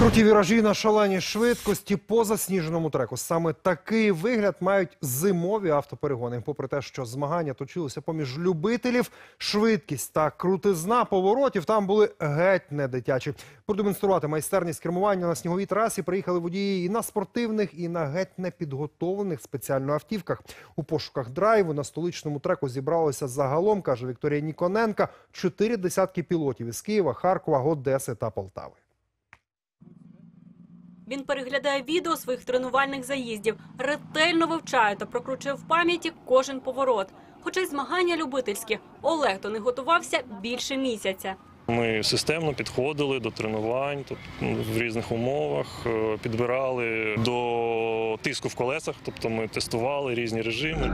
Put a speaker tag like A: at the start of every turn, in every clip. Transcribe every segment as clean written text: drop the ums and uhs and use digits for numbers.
A: Круті віражі на шаленій швидкості по засніженому треку. Саме такий вигляд мають зимові автоперегони. Попри те, що змагання точилися поміж любителів, швидкість та крутизна поворотів там були геть не дитячі. Продемонструвати майстерність кермування на сніговій трасі приїхали водії і на спортивних, і на геть непідготовлених спеціально автівках. У пошуках драйву на столичному треку зібралося загалом, каже Вікторія Ніконенка, 4 десятки пілотів із Києва, Харкова, Одеси та Полтави.
B: Він переглядає відео своїх тренувальних заїздів, ретельно вивчає та прокручує в пам'яті кожен поворот. Хоча й змагання любительські, Олег до них готувався більше місяця.
C: Ми системно підходили до тренувань, в різних умовах, підбирали до тиску в колесах, тобто ми тестували різні режими.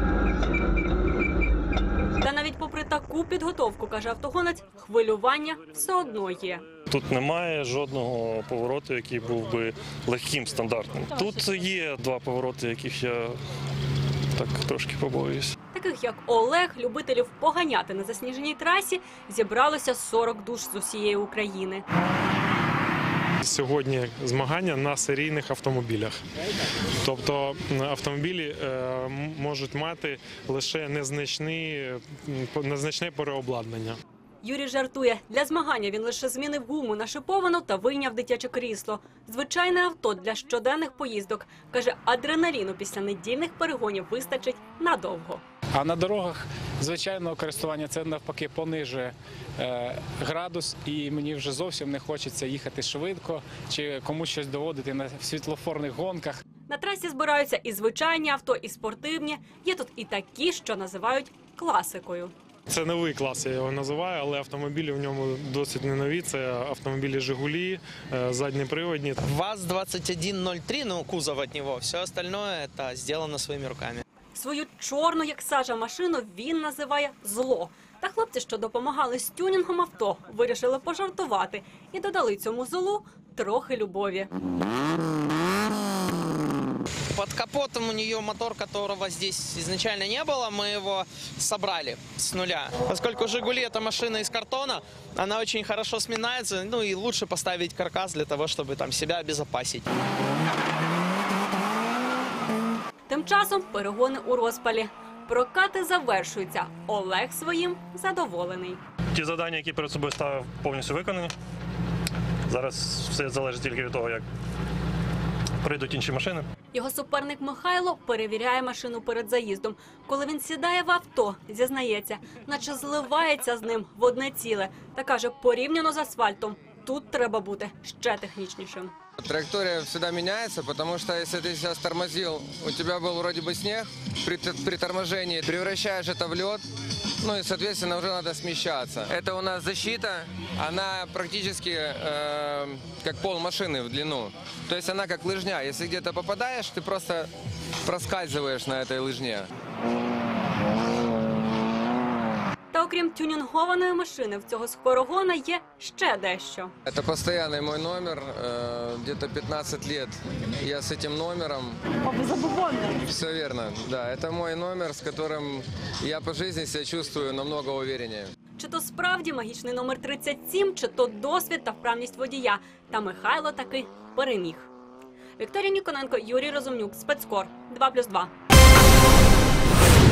B: Та навіть попри таку підготовку, каже автогонець, хвилювання все одно є.
C: Тут немає жодного повороту, який був би легким, стандартним. Тут є два повороти, яких я так трошки побоююсь.
B: Таких як Олег, любителів поганяти на засніженій трасі, зібралося 40 душ з усієї України.
D: Сьогодні змагання на серійних автомобілях. Тобто автомобілі можуть мати лише незначне переобладнання.
B: Юрій жартує, для змагання він лише змінив гуму на шиповану та вийняв дитяче крісло. Звичайне авто для щоденних поїздок. Каже, адреналіну після недільних перегонів вистачить надовго.
E: А на дорогах звичайного користування це навпаки понижує градус, і мені вже зовсім не хочеться їхати швидко чи комусь щось доводити на світлофорних гонках.
B: На трасі збираються і звичайні авто, і спортивні. Є тут і такі, що називають класикою.
D: Це новий клас, я його називаю, але автомобілі в ньому досить не нові. Це автомобілі «Жигулі», заднеприводні.
F: ВАЗ-2103, ну кузов від нього, все остальное це зроблено своїми руками.
B: Свою чорну, як сажа, машину він називає «зло». Та хлопці, що допомагали з тюнінгом авто, вирішили пожартувати і додали цьому злу трохи любові.
F: Под капотом у нее мотор, которого здесь изначально не было, мы его собрали с нуля. Поскольку «Жигули» — это машина из картона, она очень хорошо сминается, ну и лучше поставить каркас для того, чтобы там себя обезопасить.
B: Тим часом перегони у розпалі. Прокати завершуються. Олег своїм задоволений.
C: Ті завдання, які перед собою ставив, повністю виконані. Зараз все залежить тільки від того, як прийдуть інші машини.
B: Його суперник Михайло перевіряє машину перед заїздом. Коли він сідає в авто, зізнається, наче зливається з ним в одне ціле. Та каже, порівняно з асфальтом, тут треба бути ще технічнішим.
G: Траектория всегда меняется, потому что если ты сейчас тормозил, у тебя был вроде бы снег, при торможении превращаешь это в лед, ну и, соответственно, уже надо смещаться. Это у нас защита, она практически как пол машины в длину. То есть она как лыжня. Если где-то попадаешь, ты просто проскальзываешь на этой лыжне.
B: Та окрім тюнінгованої машини, в цього скорогона є ще дещо.
G: Это постоянный мой номер, где-то 15 лет я с этим номером. Все верно, да. Это мой номер, с которым я по жизни себя чувствую намного увереннее.
B: Чи то справді магічний номер 37, чи то досвід та вправність водія. Та Михайло таки переміг. Вікторія Ніконенко, Юрій Розумнюк, Спецкор, 2+2.